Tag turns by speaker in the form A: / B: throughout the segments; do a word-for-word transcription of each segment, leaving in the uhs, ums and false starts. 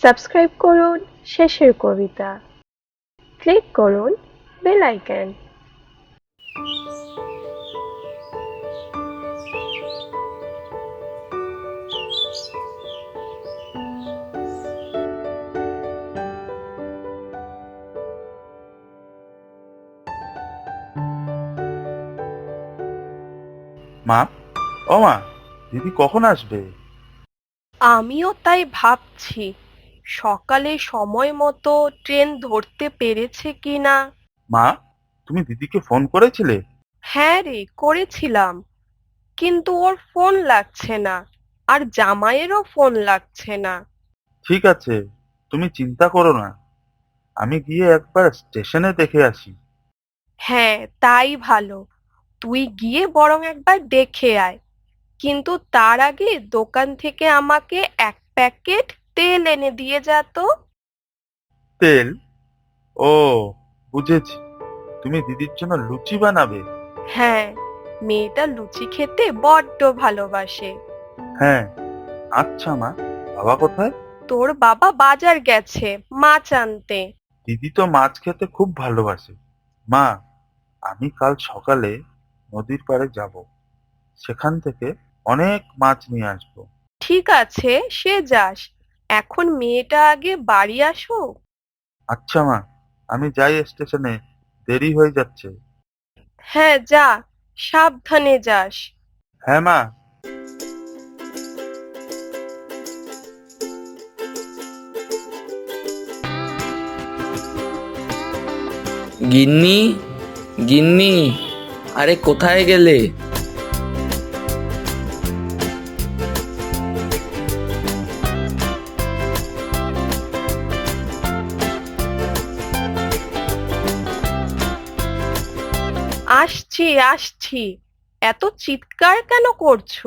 A: Subscribe করুন Shesher Kobita. Click করুন bell icon.
B: মা, ও মা, দিদি কখন আসবে?
C: আমিও তাই ভাবছি, সকালে সময় মতো ট্রেন ধরতে পেরেছে কিনা।
B: মা, তুমি দিদিকে ফোন করেছিলে?
C: হ্যাঁ রে, করেছিলাম, কিন্তু ওর ফোন লাগছে না, আর জামাইয়েরও ফোন লাগছে না।
B: ঠিক আছে, তুমি চিন্তা করো না, আমি গিয়ে একবার স্টেশনে দেখে আসি।
C: হ্যাঁ, তাই ভালো। তুই গিয়ে বরং একবার দেখে আয়, কিন্তু তার আগে দোকান থেকে আমাকে এক প্যাকেট তেল এনে দিয়ে যা তো।
B: তেল? ও, বুঝেছি, তুমি দিদির জন্য লুচি বানাবে।
C: হ্যাঁ, মেয়েটা লুচি খেতে বড্ড ভালোবাসে।
B: হ্যাঁ, আচ্ছা মা, বাবা কোথায়?
C: তোর বাবা বাজার গেছে মাছ আনতে।
B: দিদি তো মাছ খেতে খুব ভালোবাসে। মা, আমি কাল সকালে নদীর পাড়ে যাব, সেখান থেকে অনেক মাছ নিয়ে আসবো।
C: ঠিক আছে, সে যাস, এখন মেয়েটা আগে বাড়ি আসুক।
B: আচ্ছা মা, আমি যাই স্টেশনে, দেরি হয়ে যাচ্ছে।
C: হ্যাঁ যা, সাবধানে যাস।
B: হ্যাঁ মা।
D: গিন্নি, গিন্নি, আরে কোথায় গেলে?
C: আসছি আসছি, এত চিৎকার কেন করছো?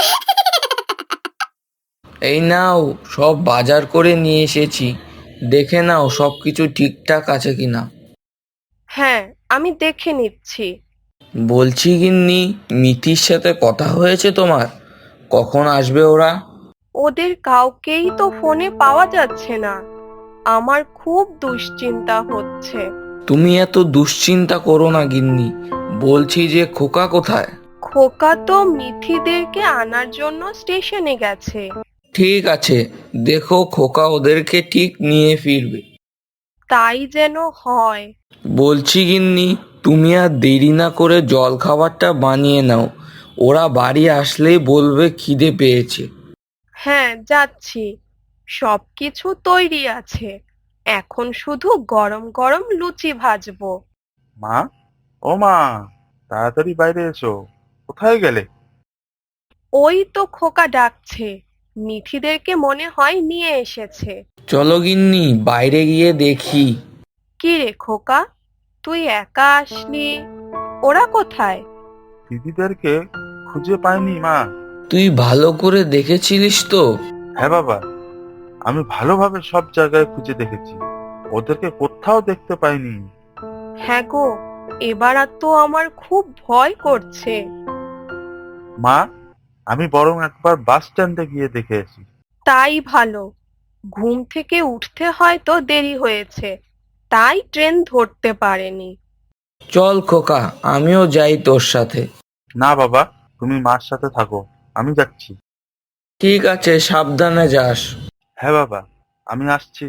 D: এই নাও, সব বাজার করে নিয়ে এসেছি, দেখে নাও সব কিছু ঠিকঠাক আছে কিনা।
C: হ্যাঁ, আমি দেখে নিচ্ছি।
D: বলছি গিন্নি, মিতির সাথে কথা হয়েছে তোমার? কখন আসবে ওরা?
C: ওদের কাউকেই তো ফোনে পাওয়া যাচ্ছে না, আমার খুব দুশ্চিন্তা হচ্ছে।
D: তুমি এত দুশ্চিন্তা করো না গিন্নি, বলছি যে খোকা কোথায়?
C: খোকা তো মিঠিদেরকে আনার জন্য স্টেশনে গেছে।
D: ঠিক আছে, দেখো খোকা ওদেরকে ঠিক নিয়ে ফিরবে।
C: তাই যেন হয়।
D: বলছি গিন্নি, তুমি আর দেরি না করে জল খাবারটা বানিয়ে নাও, ওরা বাড়ি আসলেই বলবে খিদে পেয়েছে।
C: হ্যাঁ যাচ্ছি, সবকিছু তৈরি আছে, এখন শুধু গরম গরম লুচি ভাজবো।
B: মা, ও মা, তাড়াতাড়ি বাইরে এসো। কোথায় গেলে?
C: ওই তো খোকা ডাকছে, মিঠিদেরকে মনে হয় নিয়ে এসেছে।
D: চলো গিন্নি, বাইরে গিয়ে দেখি।
C: কি রে খোকা, তুই একা আসলি, ওরা কোথায়?
B: দিদিদেরকে খুঁজে পাইনি মা।
D: তুই ভালো করে দেখেছিলিস তো?
B: হ্যাঁ বাবা, আমি ভালোভাবে সব জায়গায় খুঁজে দেখেছি, ওদেরকে কোথাও দেখতে পাইনি।
C: হ্যাঁ গো, এবার আর তো আমার খুব ভয় করছে।
B: মা, আমি বরং একবার বাস স্ট্যান্ডে গিয়ে দেখে আসি।
C: তাই ভালো, ঘুম থেকে উঠতে হয়তো দেরি হয়েছে, তাই ট্রেন ধরতে পারেনি।
D: চল খোকা, আমিও যাই তোর সাথে।
B: না বাবা, তুমি মার সাথে থাকো, আমি যাচ্ছি।
D: ঠিক আছে, সাবধানে যাস।
B: হ্যাঁ বাবা, আমি আসছি।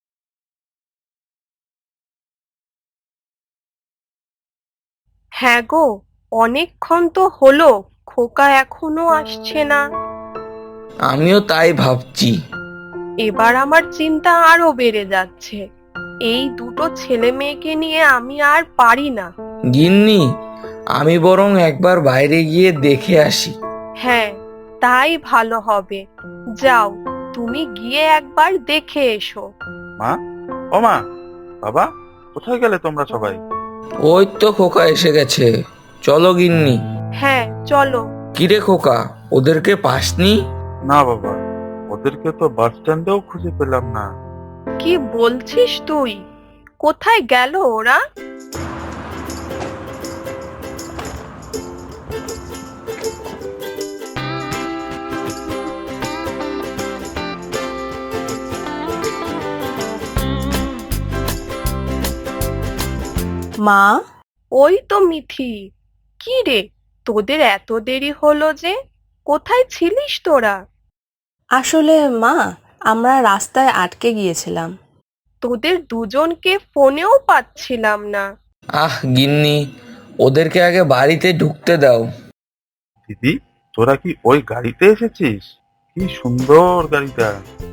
C: হ্যাঁ গো, অনেকক্ষণ তো হলো, খোকা এখনো আসছে না।
D: আমিও তাই ভাবছি।
C: এবার আমার চিন্তা আরো বেড়ে যাচ্ছে, এই দুটো ছেলে মেয়েকে নিয়ে আমি আর পারি না।
D: গিন্নি, আমি বরং একবার বাইরে গিয়ে দেখে আসি।
C: হ্যাঁ, তাই ভালো হবে, যাও, তুমি গিয়ে একবার দেখে এসো।
B: মা, ও মা, বাবা, কোথায় গেলে তোমরা সবাই?
D: ওই তো খোকা এসে গেছে, চলো গিন্নি।
C: হ্যাঁ চলো।
D: কিরে খোকা, ওদেরকে পাসনি?
B: না বাবা, ওদেরকে তো বাস স্ট্যান্ডেও খুঁজে পেলাম না।
C: কি বলছিস তুই, কোথায় গেল ওরা?
E: মা,
C: ওই তো মিঠি। কি রে, তোদের এত দেরি হলো যে? কোথায় ছিলিস তোরা?
E: আসলে মা, আমরা রাস্তায় আটকে গিয়েছিলাম।
C: তোদের দুজনকে ফোনেও পাচ্ছিলাম না।
D: আহ গিন্নি, ওদেরকে আগে বাড়িতে ঢুকতে দাও।
B: দিদি, তোরা কি ওই গাড়িতে এসেছিস? কি সুন্দর গাড়িটা।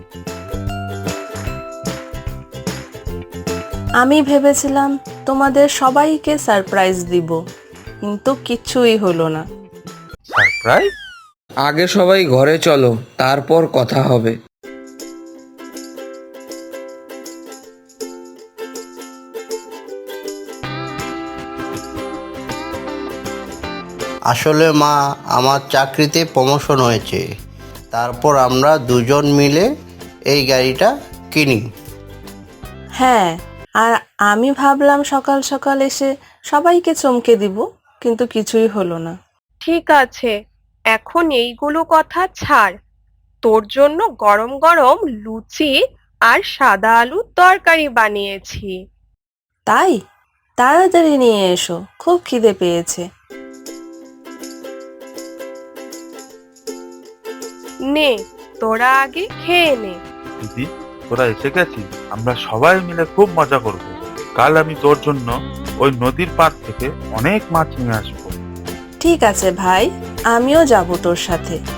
E: আমি ভেবেছিলাম তোমাদের সবাইকে সারপ্রাইজ দিব, কিন্তু কিচ্ছুই হলো না।
B: সারপ্রাইজ?
D: আগে সবাই ঘরে চলো, তারপর কথা হবে।
F: আসলে মা, আমার চাকরিতে প্রমোশন হয়েছে, তারপর আমরা দুজন মিলে এই গাড়িটা কিনি।
E: হ্যাঁ, আর আমি ভাবলাম সকাল সকাল এসে সবাইকে চমকে দিব, কিন্তু কিছুই হলো না।
C: ঠিক আছে, এখন এইগুলো কথা ছাড়। তোর জন্য গরম গরম লুচি আর সাদা আলুর তরকারি বানিয়েছি।
E: তাই? তাড়াতাড়ি নিয়ে এসো, খুব খিদে পেয়েছে।
C: নে, তোরা আগে খেয়ে নে।
B: দিদি, তোরা এসে গেছিস, আমরা সবাই মিলে খুব মজা করব। কাল আমি তোর জন্য ওই নদীর পাড় থেকে অনেক মাছ নিয়ে আসবো।
E: ঠিক আছে ভাই, আমিও যাব তোর সাথে।